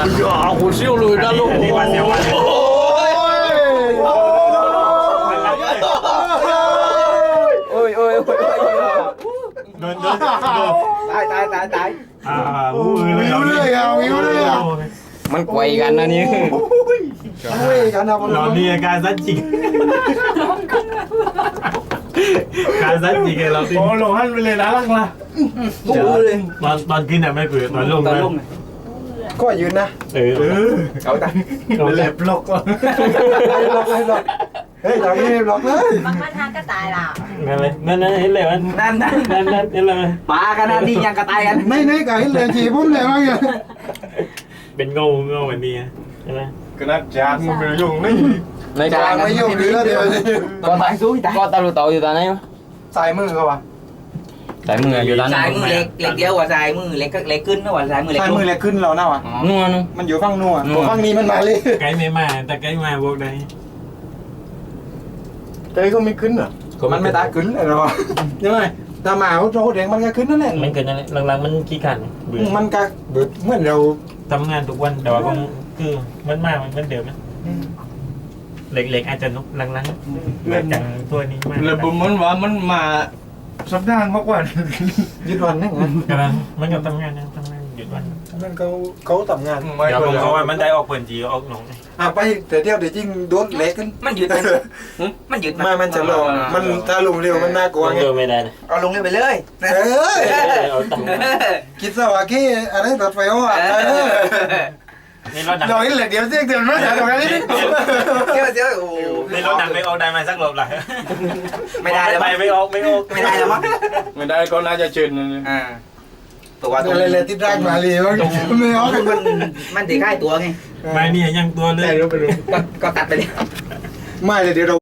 呀，我siêu lùi ra luôn. Ôi ôi ôi. Đồn Tại. Yếu lười. Mình quay gan nó như. Lòn đi ca rất chị. Ca rất chị cái lòn đi. Ồ lòn hắn lên đá lăng la. Toàn kia nào mấy cười toàn lùng này. cóยืนนะ Cậu ta. Cậu lẹp lọc. เฮ้ยเราไม่ได้ล็อกเลยมันทางกระต่ายล่ะ Nên hết lẹp anh. Nên là Bà cái nó đi nhăn cả tay anh. ในกับเห็นเลยขี่ผมเลยมั้งเนี่ย bên ngô bên đi. cái nó chạc mà phải dùng đấy Lấy จาง cái ไม่ยุ่งเรือเดียว Con tay xuống ta. Con tao lùi tội ta này. ใส่มือเขาวะ Tại mưa vô ta. Xài mưa lẹt kéo qua xài mưa lẹt kinh nó qua xài mưa ใส่ lẹt มือ kinh. แหลกขึ้นเราเน่าอ่ะ Nua nua. มันอยู่ฝั่งนัวฝั่งนี้มันมาเลย cái mấy mà ta cái mà vô đây. เจ๊ก็ไม่ขึ้นเหรอมันไม่ตาขึ้นเลยหรอยังไงตาหมาเขาโจเด็กมันก็ขึ้นนั่นแหละ Mình cần này lần mình chỉ cần มันก็เบิดเหมือนเรา tấm ngàn tục quân đó cũng cứ vẫn mà vẫn đều đấy. Lệch ai chân lúc lăng chẳng thua đi mà. เลยบุมันว่ามันมาสัปดาห์มากกว่ายึดวันนั่ง Cái là mình gặp tấm ngàn duyệt văn. นั่นเขาทำงาน Giờ không có ai mình đây ọc phần gì ọc nóng này. ไปแต่เดียวเดี๋ยวจริงโดนเล็กกันมันยืดมันยืดมันจะลงมันถ้าลงเร็วมันน่ากลัว Con ไง đường về đây này. เอาลงเลยไปเลยเอ้ย Ở tầm. คิดซะว่ากี้อะไรรถไฟอ่ะ Nên nó เรา đặt. เห็นเลยเดี๋ยวเสียงเดี๋ยวมันจะตรงนี้เดี๋ยวเดี๋ยวโอ้ Nên nó đặt mấy ô đây mà sắc lộp lại. ไม่ได้แล้วมั้ง Mày mấy ô. ไม่ได้แล้วมั้งไม่ได้ก็น่าจะเชิญอ่าตัวตรงเลยติดร่างมาเลยไม่เอามันตีค่ายตัวไง Mày nè nhăn tua lên. ก็ตัดไปเลยไม่เลยเดี๋ยวเรา